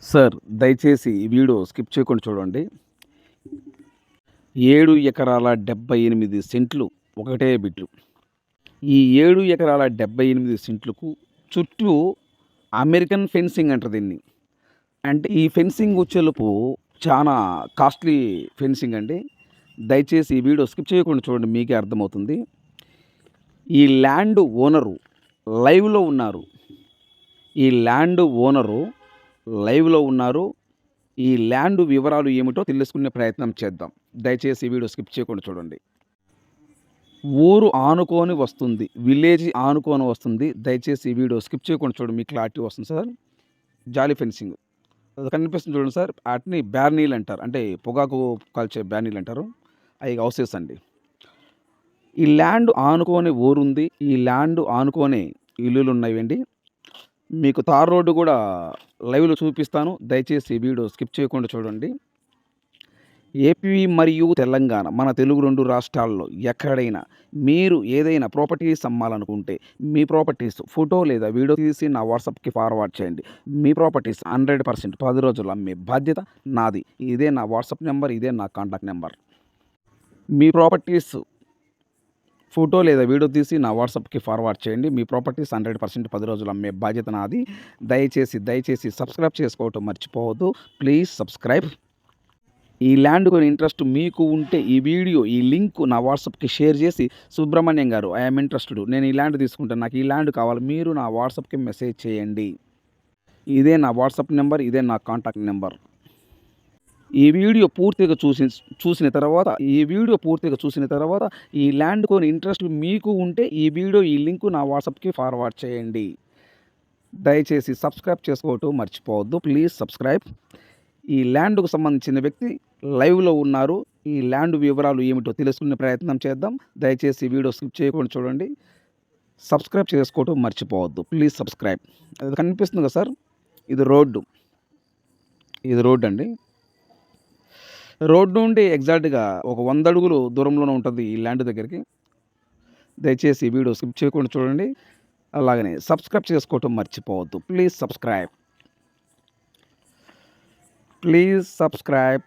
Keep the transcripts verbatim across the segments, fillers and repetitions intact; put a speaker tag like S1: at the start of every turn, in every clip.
S1: Sir దయచేసి ఈ video skip చేయకుండా చూడండి. ఏడు ఎకరాల డెబ్బై ఎనిమిది సెంట్లు ఒకటే బిట్లు. ఈ ఏడు ఎకరాల డెబ్బై ఎనిమిది సెంట్లకు చుట్టూ అమెరికన్ ఫెన్సింగ్ అంటారు దీన్ని. అంటే ఈ ఫెన్సింగ్ వచ్చేలోపు చాలా కాస్ట్‌లీ ఫెన్సింగ్ అండి. దయచేసి ఈ వీడియో స్కిప్ చేయకుండా చూడండి, మీకే అర్థమవుతుంది. ఈ ల్యాండ్ ఓనరు లైవ్‌లో ఉన్నారు. ఈ ల్యాండ్ ఓనరు లైవ్‌లో ఉన్నారు. ఈ ల్యాండ్ వివరాలు ఏమిటో తెలుసుకునే ప్రయత్నం చేద్దాం. దయచేసి ఈ వీడియో స్కిప్ చేయకుండా చూడండి. ఊరు ఆనుకోని వస్తుంది. విలేజ్ ఆనుకోని వస్తుంది. దయచేసి ఈ వీడియో స్కిప్ చేయకుండా చూడండి, మీకు క్లారిటీ వస్తుంది సార్. జాలీ ఫెన్సింగ్. అది కనిపిస్తుంది చూడండి సార్. వాటిని బ్యార్నీలు అంటారు. అంటే పొగాకు కాల్చే బ్యార్నీలు అంటారు. అవి హౌసెస్ అండి. ఈ ల్యాండ్ ఆనుకోని ఊరుంది. ఈ ల్యాండ్ ఆనుకోని ఇల్లులు ఉన్నాయండి. మీకు తార్ రోడ్డు కూడా లైవ్‌లో చూపిస్తాను. దయచేసి ఈ వీడియో స్కిప్ చేయకుండా చూడండి. ఏపీ మరియు తెలంగాణ మన తెలుగు రెండు రాష్ట్రాల్లో ఎక్కడైనా మీరు ఏదైనా ప్రాపర్టీస్ అమ్మాలనుకుంటే మీ ప్రాపర్టీస్ ఫోటో లేదా వీడియో తీసి నా వాట్సాప్‌కి ఫార్వర్డ్ చేయండి. మీ ప్రాపర్టీస్ హండ్రెడ్ పర్సెంట్ పది రోజుల్లో అమ్మే బాధ్యత నాది. ఇదే నా వాట్సాప్ నెంబర్. ఇదే నా కాంటాక్ట్ నెంబర్. మీ ప్రాపర్టీస్ ఫోటో లేదా వీడియో తీసి నా వాట్సాప్‌కి ఫార్వర్డ్ చేయండి. మీ ప్రాపర్టీస్ హండ్రెడ్ పర్సెంట్ పది రోజుల్లో అమ్మే బాధ్యత నాది. దయచేసి దయచేసి సబ్స్క్రైబ్ చేసుకోవటం మర్చిపోవద్దు. Please subscribe. ఈ ల్యాండ్ కొని ఇంట్రెస్ట్ మీకు ఉంటే ఈ వీడియో ఈ లింక్ నా వాట్సాప్‌కి షేర్ చేసి, సుబ్రహ్మణ్యం గారు ఐ యామ్ ఇంట్రెస్టెడ్, నేను ఈ ల్యాండ్ తీసుకుంటాను, నాకు ఈ ల్యాండ్ కావాలి, మీరు నా వాట్సాప్‌కి మెసేజ్ చేయండి. ఇదే నా వాట్సాప్ నెంబర్. ఇదే నా కాంటాక్ట్ నెంబర్. ఈ వీడియో పూర్తిగా చూసి చూసిన తర్వాత ఈ వీడియో పూర్తిగా చూసిన తర్వాత ఈ ల్యాండ్ కొని ఇంట్రెస్ట్ మీకు ఉంటే ఈ వీడియో ఈ లింక్ నా వాట్సాప్‌కి ఫార్వర్డ్ చేయండి. దయచేసి సబ్స్క్రైబ్ చేసుకోవటం మర్చిపోవద్దు. Please subscribe. ఈ ల్యాండ్‌కు సంబంధించిన వ్యక్తి లైవ్‌లో ఉన్నారు. ఈ ల్యాండ్ వివరాలు ఏమిటో తెలుసుకునే ప్రయత్నం చేద్దాం. దయచేసి ఈ వీడియో స్కిప్ చేయకుండా చూడండి. సబ్స్క్రైబ్ చేసుకోవటం మర్చిపోవద్దు. Please subscribe. అది కనిపిస్తుంది కదా సార్, ఇది రోడ్డు. ఇది రోడ్డు అండి. రోడ్డు నుండి ఎగ్జాక్ట్‌గా ఒక వంద అడుగులు దూరంలోనే ఉంటుంది ఈ ల్యాండ్ దగ్గరికి. దయచేసి ఈ వీడియో స్కిప్ చేయకుండా చూడండి. అలాగనే సబ్స్క్రైబ్ చేసుకోవటం మర్చిపోవద్దు. Please subscribe. Please subscribe.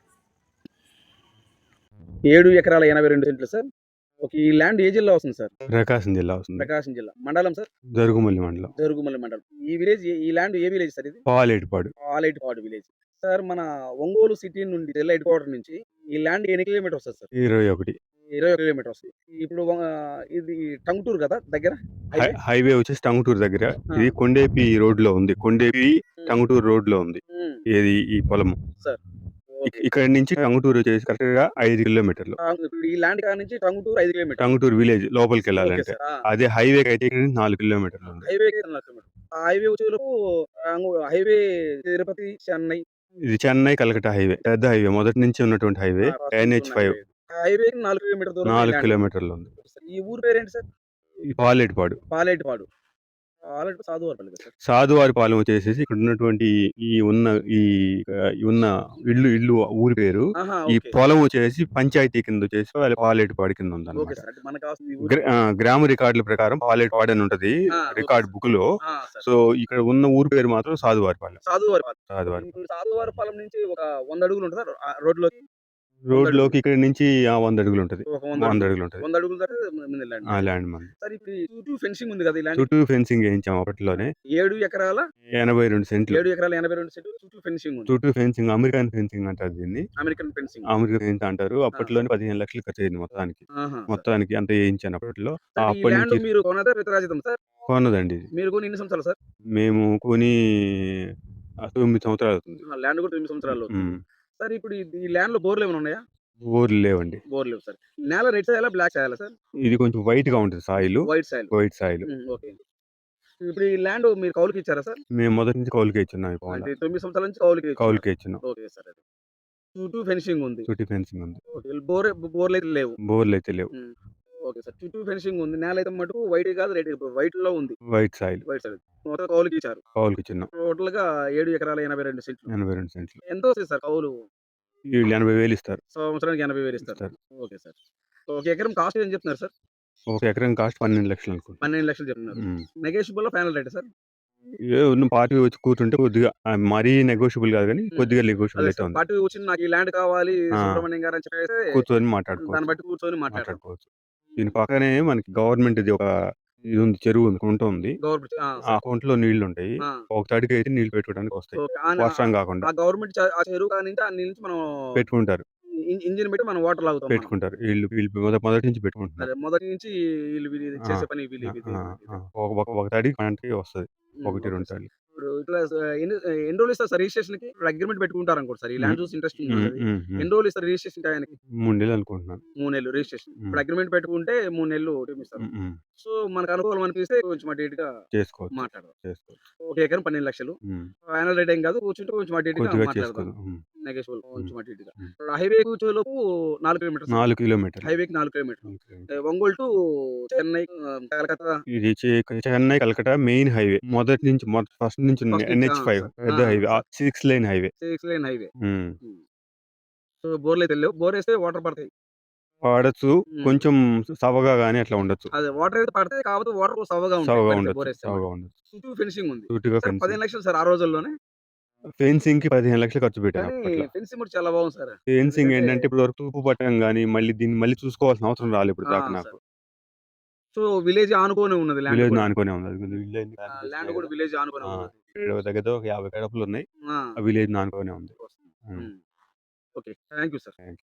S1: ఏడు ఎకరాల ఎనభై రెండు సెంట్లు సార్. ఓకే. ఈ ల్యాండ్ ఏ జిల్లా వస్తుంది సార్?
S2: ప్రకాశం జిల్లా వస్తుంది.
S1: ప్రకాశం జిల్లా. మండలం సార్?
S2: జరుగుమల్లి మండలం.
S1: జరుగుమల్లి మండలం. ఈ విలేజ్ ఈ ల్యాండ్ ఏ విలేజ్ సార్ ఇది?
S2: పాలేటిపాడు.
S1: పాలేటిపాడు విలేజ్. సార్ మన ఒంగోలు సిటీ నుండి జిల్లా హెడ్ క్వార్టర్ నుంచి ఈ ల్యాండ్ ఎన్ని కిలోమీటర్స్ వస్తది సార్?
S2: ఇరవై ఒకటి.
S1: ఇరవై ఒక కిలోమీటర్ వస్తుంది. ఇప్పుడు ఆహ్, ఇది టంగుటూరు కదా దగ్గర?
S2: High
S1: highway?
S2: హైవే వచ్చేసి టంగుటూరు దగ్గర.
S1: ఆ!
S2: ఇది కొండేపి రోడ్‌లో ఉంది. కొండేపి
S1: హ్మ్.
S2: టంగుటూరు రోడ్‌లో ఉంది.
S1: హ్మ్.
S2: ఏది ఈ పొలము.
S1: సార్.
S2: ఇక్
S1: ఓకే.
S2: ఇక్కడి నుంచి టంగుటూరు వచ్చేసి కరెక్ట్‌గా ఐదు కిలోమీటర్లు.
S1: ఆ! ఇప్పుడు ఈ ల్యాండ్ కాడ నుంచి టంగుటూరు ఐదు కిలోమీటర్లు.
S2: టంగుటూరు విలేజ్
S1: ఓకే
S2: లోపలికెళ్ళాలంటే.
S1: సార్. ఆ!
S2: అదే హైవేకైతే ఇక్కడ నుంచి నాలుగు కిలోమీటర్లు ఉంది.
S1: హైవేకి నాలుగు కిలోమీటర్లు. ఆ హైవే వచ్చేలోపు టంగు హైవే తిరుపతి, చెన్నై.
S2: ఇది చెన్నై, కలకట్టా హైవే. పెద్ద హైవే. మొదటి నుంచి ఉన్నటువంటి హైవే.
S1: ఆ! ఫస్ట్ నుంచి
S2: ఎన్‌హెచ్
S1: ఉన్న
S2: ఫైవ్.
S1: హైవే. ఆ హైవేకి నాలుగు కిలోమీటర్ల దూరంలో ఈ
S2: నాలుగు
S1: ల్యాండ్ ఉంది.
S2: కిలోమీటర్లు ఉంది.
S1: ఈ ఊరు పేరేంటి సార్?
S2: ఈ పాలేటిపాడు.
S1: పాలేటిపాడు. పాలేటిపాడు సాధువారిపల్లి కదా సార్?
S2: సాధువారిపాలెం వచ్చేసేసి ఇక్కడ ఉన్నటువంటి ఈ ఉన్న ఈ ఆహ్, ఉన్న ఇల్లు ఇల్లు ఊరి పేరు.
S1: ఆహా!
S2: ఈ
S1: ఓకే.
S2: పొలం వచ్చేసి పంచాయతీ కింద వచ్చేసి వాళ్ళ పాలేటిపాడు కింద
S1: ఓకే
S2: ఉందన్నమాట.
S1: సార్. అంటే మనకు కావాల్సింది ఈ
S2: గ్ర
S1: ఊరు.
S2: ఆ! గ్రామ రికార్డుల ప్రకారం పాలేటిపాడు అని ఉంటది.
S1: ఆ! Okay
S2: record
S1: sir.
S2: బుక్‌లో.
S1: ఆ! సార్.
S2: సో, ఇక్కడ ఉన్న ఊరి పేరు మాత్రం సాధువారిపాలెం.
S1: సాధువారిపాలెం.
S2: సాధువారిపాలెం.
S1: ఇప్పుడు సాధువారిపాలెం నుంచి ఒక వంద అడుగులు ఉంటదా? ఆహ్, రోడ్‌లోకి? వంద
S2: రోడ్‌లోకి
S1: అడుగులు.
S2: ఇక్కడి నుంచి ఆ వంద అడుగులు ఉంటది.
S1: ఒక వంద
S2: వంద
S1: అడుగులు.
S2: అడుగులు ఉంటది.
S1: వంద అడుగులు దాటితే ముందు ల్యాండ్
S2: ఆ
S1: మీదే.
S2: ల్యాండ్ మనది.
S1: సార్ ఇప్పుడు ఈ చుట్టూ ఫెన్సింగ్ ఉంది కదా ఈ ల్యాండ్‌కి?
S2: చుట్టూ ఫెన్సింగ్ ఏయించాం అప్పట్లోనే.
S1: ఏడు ఎకరాల
S2: ఎనభై రెండు సెంట్లు.
S1: ఏడు ఎకరాల ఎనభై రెండు సెంట్లు చుట్టూ ఫెన్సింగ్ ఉంది.
S2: చుట్టూ ఫెన్సింగ్ అమెరికన్ ఫెన్సింగ్ అంటారు దీన్ని.
S1: American fencing.
S2: అమెరికన్ ఫెన్స్ అంటారు.
S1: ఆ!
S2: అప్పట్లోనే పదిహేను లక్షలు ఖర్చయింది మొత్తానికి.
S1: ఆహా! సార్.
S2: మొత్తానికి అంత ఏయించాను అప్పట్లో.
S1: సార్ ఈ
S2: అప్పటి
S1: ల్యాండ్
S2: నుంచి
S1: మీరు కొన్నదా వితరాజితం సార్?
S2: కొన్నదండి ఇది.
S1: మీరు కొని ఎన్ని సంవత్సరాలు సార్?
S2: మేము కొని ఆహ్, తొమ్మిది సంవత్సరాలవుతుంది.
S1: ఆ! ల్యాండ్ కూడా తొమ్మిది సంవత్సరాలు అవుతుంది.
S2: హ్మ్.
S1: సార్ ఇప్పుడు ఈ ఈ ల్యాండ్‌లో బోర్‌లు ఏమైనా ఉన్నాయా?
S2: బోర్‌లు లేవండి.
S1: బోర్ లేవు సార్. నేల రెడ్ సాయిలా? బ్లాక్ సాయిలా సార్?
S2: ఇది కొంచెం వైట్‌గా ఉంటది soil.
S1: White soil.
S2: White soil.
S1: Hmm. Okay. ఇప్పుడు ఈ ల్యాండ్ మీరు కౌలుకి ఇచ్చారా సార్?
S2: మేము మొదటి నుంచి కౌలుకే ఇచ్చున్నాం ఈ పొలం.
S1: అంటే తొమ్మిది సంవత్సరాల నుంచి కౌలుకి ఇచ్చున్నారు.
S2: కౌలుకే ఇచ్చున్నాం.
S1: Okay sir. అది. చుట్టూ ఫెన్సింగ్ ఉంది.
S2: చుట్టూ ఫెన్సింగ్ ఉంది.
S1: ఓకే. బోర్ బోర్‌లైతే లేవు.
S2: బోర్‌లయితే లేవు.
S1: హ్మ్. Okay sir. చుట్టూ ఫెన్సింగ్ ఉంది. నేలైతే మటుకు వైట్ కాదు రెడ్ వైట్‌లో ఉంది.
S2: White soil.
S1: White soil. మొత్తం కౌలుకి ఇచ్చారు.
S2: కౌలుకిచ్చున్నాం.
S1: టోటల్‌గా ఏడు ఎకరాల ఎనభై రెండు సెంట్లు.
S2: ఎనభై రెండు సెంట్లు.
S1: ఎంత వస్తది సార్ కౌలు?
S2: వీళ్ళు ఎనభై వేలు ఇస్తారు.
S1: సంవత్సరానికి ఎనభై వేలు ఇస్తారు.
S2: ఇస్తారు.
S1: Okay sir. ఒక ఎకరం కాస్ట్ ఏం చెప్తున్నారు సార్?
S2: ఒక ఎకరం కాస్ట్ పన్నెండు లక్షలు అనుకుంటా.
S1: పన్నెండు లక్షలు చెప్తున్నారు.
S2: హ్మ్.
S1: నెగోషియబుల్‌లో ఫైనల్ రేటా సార్?
S2: ఏ ఉన్న పార్టీ వచ్చి కూర్చుంటే కొద్దిగా ఆహ్, మరీ నెగోషియబుల్ కాదు గానీ,
S1: హ్మ్.
S2: కొద్దిగా నెగోషియబుల్
S1: అదే
S2: అయితే
S1: సార్.
S2: ఉంది.
S1: పార్టీ కూర్చొని నాకు ఈ ల్యాండ్ కావాలి
S2: ఆ!
S1: సుబ్రహ్మణ్యం గారు అని చెప్పేసి
S2: కూర్చొని
S1: దాన్ని
S2: మాట్లాడుకోవచ్చు.
S1: బట్టి కూర్చొని మాట్లాడతాం.
S2: మాట్లాడుకోవచ్చు. దీని పక్కనే మనకి గవర్నమెంట్‌ది ఒక ఇది ఉంది. చెరువు ఉంది. కుంట ఉంది.
S1: గవర్నమెంట్ ఆ!
S2: ఆ
S1: సార్.
S2: కుంటలో నీళ్లుంటాయి.
S1: ఆ!
S2: ఒక తడికైతే నీళ్లు పెట్టుకోవడానికి వస్తాయి.
S1: ఓకే. ఆ! న
S2: వర్షం కాకుండా.
S1: ఆ గవర్నమెంట్ చ ఆ చెరువు కాడ నుంచి ఆ నీళ్ళు నుంచి మనం
S2: పెట్టుకుంటారు.
S1: ఇం ఇంజిన్ పెట్టి మనం వాటర్ లాగుతాం మనం.
S2: పెట్టుకుంటారు. ఈళ్ళు వీళ్ళు మొద మొదటి నుంచి పెట్టుకుంటున్నారు.
S1: అదే మొదటి నుంచి వీళ్ళు వీళ్ళు
S2: ఆ!
S1: చేసే పని వీళ్ళు
S2: ఆ!
S1: ఇది
S2: ఆ!
S1: అన్నమాట
S2: ఆ!
S1: ఇది.
S2: ఒక ఒక ఒక తడి మనకి వస్తది.
S1: హ్మ్.
S2: ఒకటి,
S1: ఓకే
S2: రెండు
S1: సార్.
S2: తడులు.
S1: ఇప్పుడు ఇట్లా స ఎన్ని ఎన్ని రోజులు ఇస్తారు సార్ రిజిస్ట్రేషన్‌కి? ఇప్పుడు అగ్రీమెంట్ పెట్టుకుంటారనుకోండి సార్. ఈ
S2: హ్మ్.
S1: ల్యాండ్ చూసి ఇంట్రెస్టింగ్
S2: హ్మ్.
S1: ఉన్నది.
S2: హ్మ్. హ్మ్.
S1: ఎన్ని రోజులు ఇస్తారు రిజిస్ట్రేషన్ టయానికి?
S2: మూడు నెలలు అనుకుంటున్నాను.
S1: మూడు నెలలు రిజిస్ట్రేషన్.
S2: హ్మ్.
S1: ఇప్పుడు అగ్రీమెంట్ పెట్టుకుంటే మూడు నెలలు టైమ్ ఇస్తారు.
S2: హ్మ్. హ్మ్.
S1: సో, మనకు అనుకూలం అనిపిస్తే కొంచెం అటు ఇటుగా
S2: చేసుకోవచ్చు.
S1: మాట్లాడదాం.
S2: చేసుకోవచ్చు.
S1: ఒక ఎకరం పన్నెండు లక్షలు
S2: హ్మ్.
S1: ఫైనల్ రేట్ ఏం కాదు. కూర్చుంటే కొంచెం అటు ఇటుగా
S2: కొద్దిగా
S1: మాట్లాడదాం.
S2: చేసుకుందాం. హ్మ్.
S1: నెగోషియబుల్
S2: హ్మ్.
S1: కొంచెం అటు ఇటుగా.
S2: హ్మ్.
S1: హైవే కూర్చోలోపు నాలుగు కిలోమీటర్స్ అండి.
S2: నాలుగు కిలోమీటర్లు.
S1: హైవేకి నాలుగు కిలోమీటర్లు.
S2: నాలుగు కిలోమీటర్లు.
S1: ఒంగోలు టు చెన్నై ఆహ్, కలకత్తా
S2: ఇది చే చెన్నై, కలకట్టా మెయిన్ హైవే. మొదటి నుంచి మొ ఫస్ట్ నుంచి ఉంది.
S1: ఫస్ట్ నుంచి ఆ!
S2: ఎన్‌హెచ్ ఐదు
S1: సార్. ఆ!
S2: పెద్ద హైవే. ఆ
S1: సార్.
S2: ఆరు లేన్ హైవే.
S1: ఆరు lane highway.
S2: Hmm.
S1: Hmm. So, బోర్‌లయితే లేవు. బోరేస్తే వాటర్ పడతాయి.
S2: వాడొచ్చు.
S1: హ్మ్.
S2: కొంచెం సవగా గాని అట్లా ఉండొచ్చు.
S1: అదే వాటర్ అయితే పడతాయి. కాకపోతే వాటర్ సవ్వగా ఉంటాయి.
S2: సవగా
S1: పడితే
S2: ఉండొచ్చు.
S1: బోరేస్తే
S2: సవగా
S1: మటుకు.
S2: ఉండొచ్చు.
S1: చుట్టూ ఫెన్సింగ్ ఉంది.
S2: సూటిగా
S1: సార్
S2: ఫెన్సింగ్.
S1: పదిహేను లక్షలు సార్ ఆ రోజుల్లోనే.
S2: ఫెన్సింగ్‌కి పదిహేను లక్షలు ఖర్చు పెట్టాను
S1: కానీ
S2: అప్పట్లో.
S1: ఫెన్సింగ్ కూడా చాలా బాగుంది సార్.
S2: ఫెన్సింగ్
S1: ఎందుకంటే
S2: ఏంటంటే ఇప్పటి వరకు తూపు పట్టడం గాని, మళ్ళీ దీన్ని మళ్ళీ చూసుకోవాల్సిన అవసరం రాలేదు ఇప్పటి
S1: ఆ!
S2: దాకా నాకు.
S1: సార్. సో, విలేజ్ ఆనుకోని ఉన్నది ల్యాండ్
S2: విలేజ్‌ని
S1: కూడా.
S2: ఆనుకునే ఉంది. అది విలేజ్‌ని
S1: ఆ!
S2: ప్లాన్
S1: ల్యాండ్
S2: చేసినాయి
S1: కూడా
S2: కదా!
S1: విలేజ్ ఆనుకునే
S2: ఆ!
S1: ఉన్నది.
S2: ఇక్కడ దగ్గర దగ్గర ఒక యాభై గడపలున్నాయి.
S1: ఆ!
S2: ఆ విలేజ్‌ని ఆనుకునే ఉంది.
S1: వస్తుంది.
S2: Hmm.
S1: Hmm. Okay. Thank you sir.
S2: Thank you.